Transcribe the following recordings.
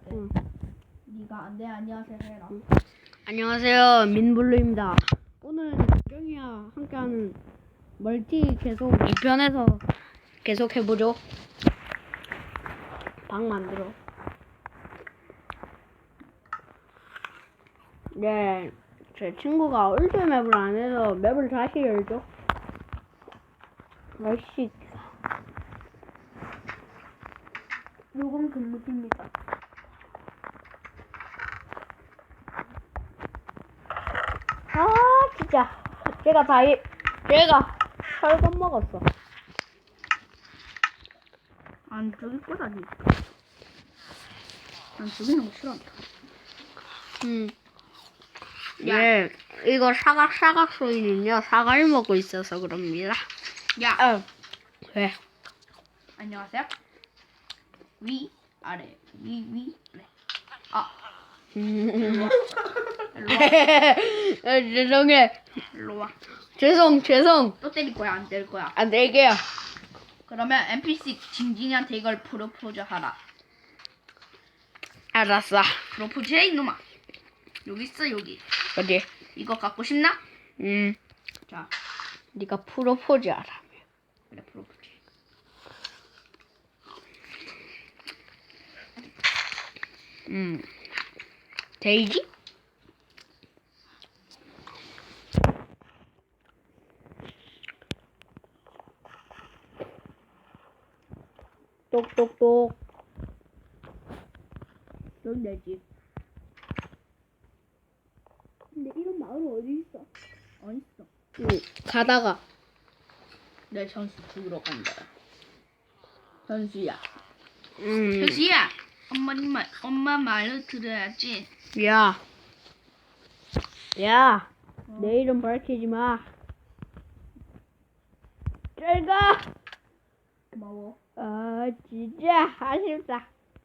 돼. 응. 네가 네 안녕하세요 해라. 안녕하세요, 민블루입니다. 오늘 정이와 함께하는 멀티 계속 2편에서 계속 해보죠. 방 만들어. 네, 제 친구가 울트 맵을 안 해서 맵을 다시 열죠. 날씨. 요건 금묵입니다. 아, 진짜. 제가 철건 먹었어. 안 저기 거다니. 난 저기 너무 싫어한다. 네, 이거 사각 소리는요, 사과를 먹고 있어서 그럽니다. 야, 왜? 안녕하세요. 위 아래 위 아래. 아, 일로 와. 죄송해. 일로 와. 죄송. 또 때릴 거야 안 때릴 거야? 안 될게요. 그러면 NPC 징징이한테 이걸 프로포즈 하라. 알았어. 프로포즈 해 이놈아. 여기 있어 여기. 어디? 이거 갖고 싶나? 자, 네가 프로포즈 하라. 그래 프로포즈. 데이지? 똑똑똑. 여기 내 집. 근데 이런 마을은 어디 있어? 어딨어? 가다가. 내 현수 죽으러 간다. 현수야. 음. 현수야. 엄마 말을 들어야지. 야. 내 이름 밝히지 마. 잘 가. 고마워. 아, 진짜 아쉽다.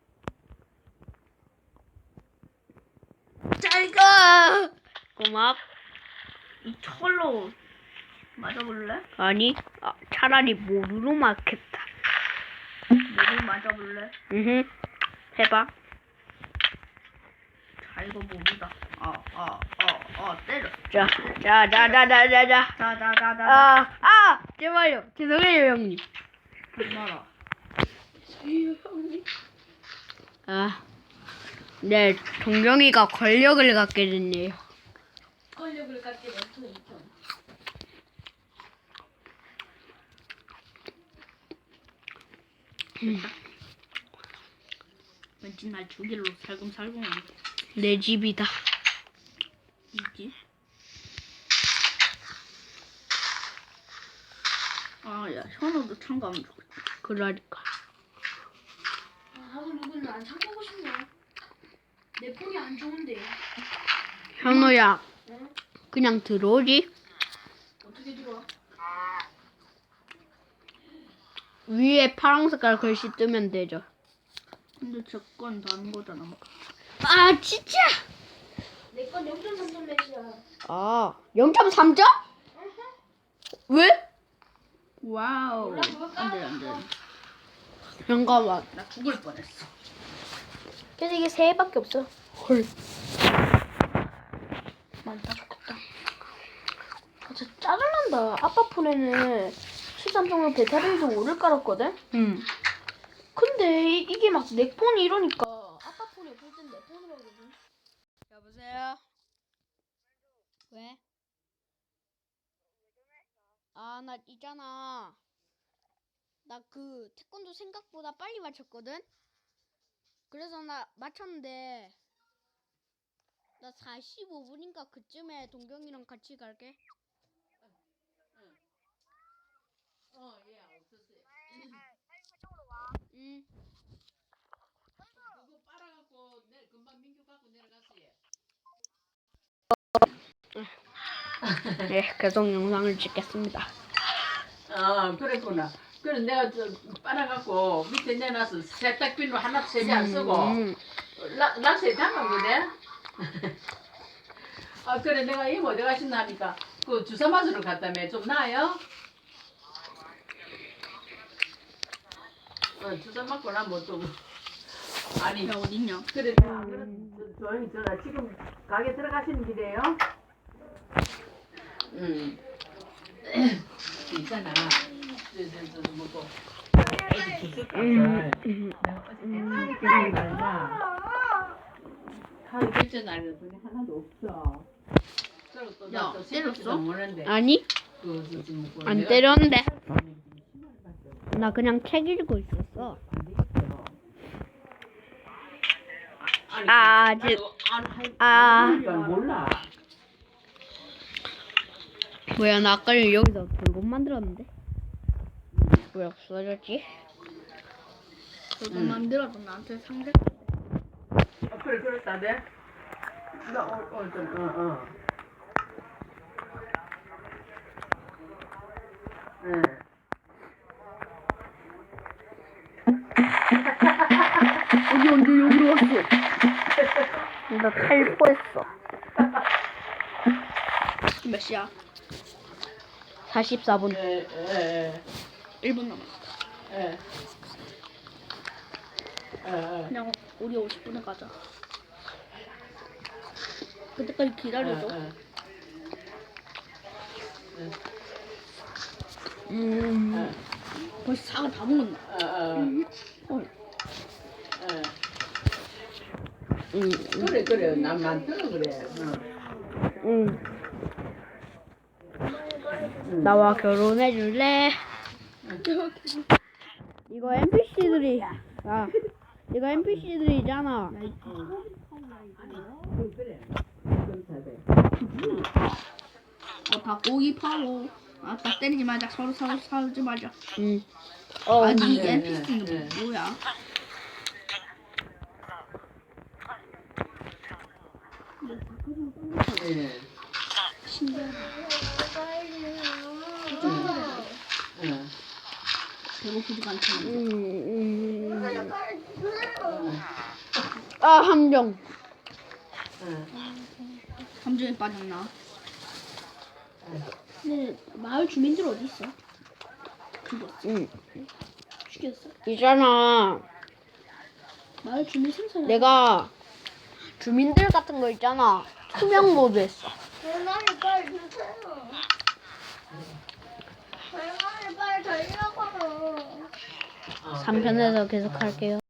잘 가. 고맙. 이 철로 맞아볼래? 아니, 차라리 모루로 맞겠다. 모두 맞아볼래? 해봐. 자, 이거 모르다. 때려. 자. 자자자자자. 제발요. 죄송해요, 형님. 말아. 네, 동경이가 권력을 갖게 됐네요. 권력을 갖게 된 토이편. 왠지 날 죽일로 살금살금 하는데. 내 집이다. 있지? 야, 현우도 참가하면 좋겠다. 그러니까. 나도 누구는 안 참고고 싶네. 내 폰이 안 좋은데. 현우야, 응? 그냥 들어오지? 어떻게 들어와? 위에 파란 색깔 글씨 뜨면 되죠. 근데 저건 다른 거잖아. 뭐. 아, 진짜? 내 건 0.3점 몇이야. 0.3점? 왜? 와우. 몰라, 그거 안 돼. 잠깐만. 나 죽을 뻔했어. 그래서 이게 3개밖에 없어. 헐. 많다 좋겠다. 진짜 짜증난다. 아빠 폰에는 13.5 배터리를 좀 오래 깔았거든? 근데 이게 막 내 폰이 이러니까 아빠 폰이 없을 땐 내 폰으로 하거든. 여보세요? 왜? 나 있잖아. 나 그 태권도 생각보다 빨리 맞췄거든? 그래서 나 맞췄는데 나 45분인가 그쯤에 동경이랑 같이 갈게. 응. 그거 빨아갖고 금방 민규 갖고 내려갔어요. 네, 계속 영상을 찍겠습니다. 그랬구나. 그래 내가 빨아갖고 밑에 내놔서 세탁비누 하나 세개 안 쓰고 락스에 담았거든. 그래 내가 이모 어디 가신다 하니까 그 주사 맞으러 갔다며. 좀 나아요? 주사 맞고 나면 좀 아니 야 어딨냐? 그래 조용히 들어라. 지금 가게 들어가시는 길이에요? 있잖아. 저 뭐고 애기 주스 값을 내가 어제 결제 날라 카드 결제 날려 돈이 하나도 없어. 그리고 또 야, 나또 때렸어? 모르는데 아니 뭐 안 내가 때렸는데 돈이 20만원밖에 없어. 나 그냥 책 읽고 있었어. 안 되겠어. 아니, 아, 나도 안 할- 아. 안 할 줄 몰라. 뭐야 나 아까 여기서 돌곰 만들었는데 왜 없어졌지? 그거 만들어도 나한테 상대. 그래 그렇다네. 나좀 응. 언제 여기로 왔어? 나 탈포했어. 몇 시야? 44분. 예. 1분 남았어. 예. 그냥 우리 50분에 가자. 그때까지 기다려줘. 벌써 사과 다 먹었나? 그래 난 많더라 그래. 나와 결혼해 줄래? 이거 NPC들이 이거 NPC들이잖아. 그래. 닭고기 파워. 딱 때리지 말자. 서로 싸우지 말자. 아니 네, NPC는 네. 뭐야? 예. 배고프지가 않잖아. 아 함정. 함정에 빠졌나? 근데 마을 주민들 어디 있어? 죽었어. 죽였어? 있잖아. 마을 주민 생선. 내가 주민들 같은 거 있잖아. 투명 모드 했어. 대가리 빨리 주세요. 대가리 빨리 달려고. 3편에서 계속 할게요.